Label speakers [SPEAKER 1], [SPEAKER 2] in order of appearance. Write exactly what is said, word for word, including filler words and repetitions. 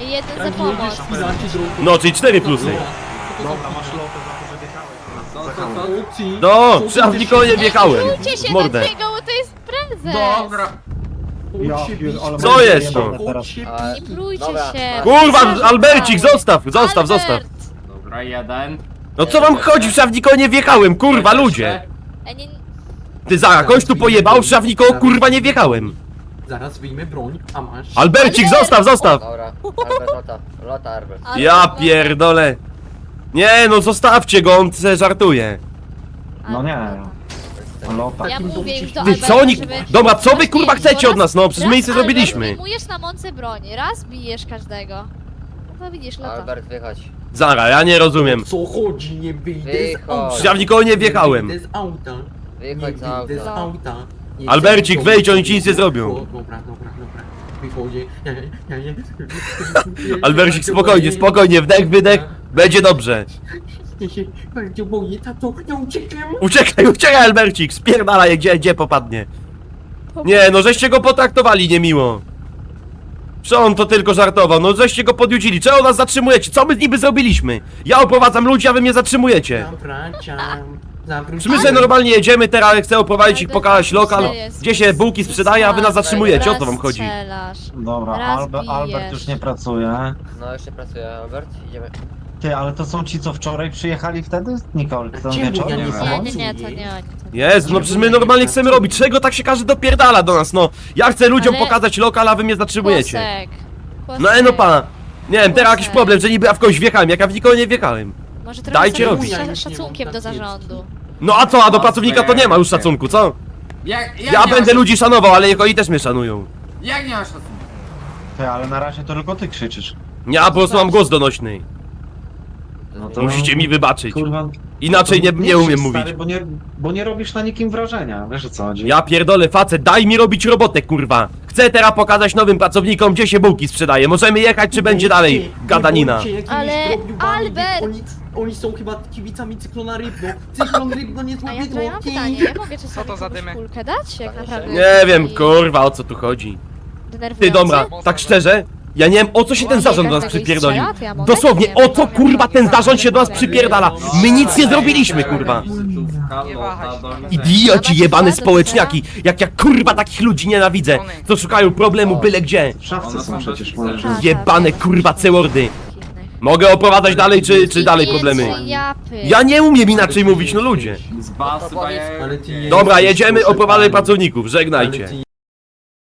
[SPEAKER 1] Jeden za pomoc.
[SPEAKER 2] No, czyli cztery plusy.
[SPEAKER 3] Dobra, masz lotę za to, że wjechałeś.
[SPEAKER 2] No, przy Awlikonie wjechałem.
[SPEAKER 1] Czujcie się
[SPEAKER 2] W mordę.
[SPEAKER 1] na niego, bo to jest prezes.
[SPEAKER 3] Dobra.
[SPEAKER 4] Ja
[SPEAKER 3] Ucz się
[SPEAKER 4] pier-
[SPEAKER 3] bić.
[SPEAKER 4] ale
[SPEAKER 2] Co
[SPEAKER 4] będzie
[SPEAKER 2] jest
[SPEAKER 4] jebane
[SPEAKER 2] to?
[SPEAKER 4] teraz.
[SPEAKER 3] Ucz się
[SPEAKER 5] A,
[SPEAKER 1] Nie plujcie
[SPEAKER 5] Dobra.
[SPEAKER 1] się.
[SPEAKER 2] Kurwa,
[SPEAKER 1] Zarzucaj.
[SPEAKER 2] Albercik, zostaw, zostaw, zostaw.
[SPEAKER 1] Albert.
[SPEAKER 3] Dobra, jeden.
[SPEAKER 2] No co wam chodzi, w Szawnikonie wjechałem, kurwa, ludzie.
[SPEAKER 1] Ej, nie,
[SPEAKER 2] Ty za, kogoś tu pojebał, w Szawnikoło, kurwa, nie wjechałem.
[SPEAKER 3] Zaraz wyjmę broń, a masz.
[SPEAKER 2] Albercik, zostaw, zostaw.
[SPEAKER 5] Dobra, Albert, lota, lota Albert.
[SPEAKER 1] Albert,
[SPEAKER 2] Ja
[SPEAKER 1] no.
[SPEAKER 2] pierdolę. Nie, no zostawcie go, on se żartuje.
[SPEAKER 4] No nie. Lota.
[SPEAKER 1] Ja mówię już do
[SPEAKER 2] Ty
[SPEAKER 1] Alberta,
[SPEAKER 2] co oni...
[SPEAKER 1] żeby...
[SPEAKER 2] Dobra, co wy
[SPEAKER 1] Właśnie,
[SPEAKER 2] kurwa chcecie
[SPEAKER 1] raz-
[SPEAKER 2] od nas, no, przecież my nic nie
[SPEAKER 1] raz,
[SPEAKER 2] zrobiliśmy.
[SPEAKER 1] Albert, wyjmujesz na mące broń, raz bijesz każdego. No widzisz, lata.
[SPEAKER 5] Albert, wychodź.
[SPEAKER 2] Zara, ja nie rozumiem.
[SPEAKER 3] Co chodzi, nie wyjdę z
[SPEAKER 5] Wychodź.
[SPEAKER 3] auta.
[SPEAKER 2] Ja w nikogo nie wjechałem.
[SPEAKER 3] Nie wyjdę z auta. Nie
[SPEAKER 5] Wychodź za
[SPEAKER 3] wyjdę z
[SPEAKER 5] auto.
[SPEAKER 3] auta. Nie
[SPEAKER 2] Albercik,
[SPEAKER 3] chcę-
[SPEAKER 2] wejdź, oni ci nic nie zrobią.
[SPEAKER 3] O, Dobra, dobra, dobra. Wychodzę. Ja, ja, ja, ja.
[SPEAKER 2] Albercik, spokojnie, spokojnie, wdech, wydech, będzie dobrze.
[SPEAKER 3] Ja się bardzo boję, tato, ja uciekam.
[SPEAKER 2] Uciekaj, uciekaj, Albercik, spierdalaj, gdzie, gdzie popadnie. Nie, no żeście go potraktowali niemiło. Że on to tylko żartował, no żeście go podjudzili, czego nas zatrzymujecie, co my niby zrobiliśmy? Ja oprowadzam ludzi, a wy mnie zatrzymujecie.
[SPEAKER 3] Zawracam.
[SPEAKER 2] Czy my sobie normalnie jedziemy teraz, chcę oprowadzić ich, pokazać lokal, gdzie się bułki sprzedaje, a wy nas zatrzymujecie, o to wam chodzi.
[SPEAKER 1] Strzelasz.
[SPEAKER 4] Dobra,
[SPEAKER 1] Raz
[SPEAKER 4] Albe,
[SPEAKER 1] bijesz.
[SPEAKER 4] Albert już nie pracuje.
[SPEAKER 5] No jeszcze pracuje Albert, idziemy.
[SPEAKER 4] Ty, ale to są ci, co wczoraj przyjechali wtedy? Nicole, ten
[SPEAKER 3] Czemu ja
[SPEAKER 4] wieczorem?
[SPEAKER 3] nie
[SPEAKER 4] nie
[SPEAKER 3] wiem?
[SPEAKER 1] Nie,
[SPEAKER 4] samo?
[SPEAKER 1] nie, nie, to nie oni. To nie.
[SPEAKER 2] Jezu, no przecież my normalnie chcemy robić, czego tak się każdy dopierdala do nas, no. Ja chcę ludziom
[SPEAKER 1] Ale-
[SPEAKER 2] pokazać lokal, a wy mnie zatrzymujecie.
[SPEAKER 1] Kłosek. Kłosek.
[SPEAKER 2] No e, no pana. Nie wiem, teraz jakiś problem, że niby ja w kogoś wjechałem, jak ja w nikogo nie wjechałem.
[SPEAKER 1] Może trochę
[SPEAKER 2] Dajcie
[SPEAKER 1] sobie
[SPEAKER 2] robić.
[SPEAKER 1] z
[SPEAKER 3] Ja
[SPEAKER 1] sza-
[SPEAKER 3] już nie
[SPEAKER 1] szacunkiem
[SPEAKER 3] mam
[SPEAKER 1] do
[SPEAKER 3] takiej
[SPEAKER 1] zarządu.
[SPEAKER 2] No a co, a do pracownika to nie ma już szacunku, co?
[SPEAKER 6] Jak, jak
[SPEAKER 2] Ja
[SPEAKER 6] nie
[SPEAKER 2] będę
[SPEAKER 6] masz,
[SPEAKER 2] ludzi szanował, ale niech oni też mnie szanują.
[SPEAKER 6] Jak nie masz szacunku?
[SPEAKER 4] Ty, ale na razie to tylko ty krzyczysz.
[SPEAKER 2] Ja po prostu mam głos donośny.
[SPEAKER 4] No to-
[SPEAKER 2] Musicie mi wybaczyć.
[SPEAKER 4] Kurwa.
[SPEAKER 2] Inaczej nie,
[SPEAKER 4] to
[SPEAKER 2] nie umiem
[SPEAKER 4] krzycz,
[SPEAKER 2] mówić.
[SPEAKER 4] Stary, bo, nie, bo nie robisz na nikim wrażenia, wiesz o co chodzi?
[SPEAKER 2] Ja pierdolę facet, daj mi robić robotę, kurwa. Chcę teraz pokazać nowym pracownikom, gdzie się bułki sprzedaje. Możemy jechać, czy będzie dalej gadanina?
[SPEAKER 1] Ale Albert!
[SPEAKER 3] Oni, oni są chyba kibicami Cyklona Rybno. Cyklon Rybno nie
[SPEAKER 1] A
[SPEAKER 3] złapie
[SPEAKER 1] ja, to ja mam
[SPEAKER 3] drogi.
[SPEAKER 1] pytanie, ja mogę czasami
[SPEAKER 6] to za
[SPEAKER 1] komuś
[SPEAKER 6] dymy?
[SPEAKER 1] kulkę dać? Jak
[SPEAKER 5] Panie
[SPEAKER 1] naprawdę
[SPEAKER 2] Nie wiem,
[SPEAKER 1] jest
[SPEAKER 2] kurwa, o co tu chodzi.
[SPEAKER 1] denerwujący?
[SPEAKER 2] Ty, dobra, tak szczerze, ja nie wiem, o co się ten zarząd do nas
[SPEAKER 1] Każdego
[SPEAKER 2] przypierdolił.
[SPEAKER 1] strzela, to ja mogę?
[SPEAKER 2] Dosłownie,
[SPEAKER 1] Nie
[SPEAKER 2] o
[SPEAKER 1] wiem,
[SPEAKER 2] co
[SPEAKER 1] nie
[SPEAKER 2] kurwa
[SPEAKER 1] wiem,
[SPEAKER 2] ten
[SPEAKER 1] nie
[SPEAKER 2] zarząd się do nas
[SPEAKER 1] wiem.
[SPEAKER 2] przypierdala? My nic nie zrobiliśmy, kurwa.
[SPEAKER 6] Nie wahaj się.
[SPEAKER 2] Idioci, jebane społeczniaki. Jak ja kurwa takich ludzi nienawidzę, co szukają problemu byle gdzie.
[SPEAKER 4] W szafce
[SPEAKER 6] One
[SPEAKER 4] są
[SPEAKER 6] są
[SPEAKER 4] przecież,
[SPEAKER 6] bez
[SPEAKER 4] możesz...
[SPEAKER 1] Tak.
[SPEAKER 2] Jebane kurwa cełordy. Mogę oprowadzać dalej, czy, czy dalej problemy?
[SPEAKER 1] Japy.
[SPEAKER 2] Ja nie umiem inaczej mówić, no ludzie.
[SPEAKER 6] Z basy,
[SPEAKER 3] Ale ty nie
[SPEAKER 2] Dobra,
[SPEAKER 3] jesteś
[SPEAKER 2] jedziemy,
[SPEAKER 3] proszę
[SPEAKER 2] oprowadzaj
[SPEAKER 3] pana.
[SPEAKER 2] pracowników,
[SPEAKER 3] Ale
[SPEAKER 2] żegnajcie.
[SPEAKER 3] ty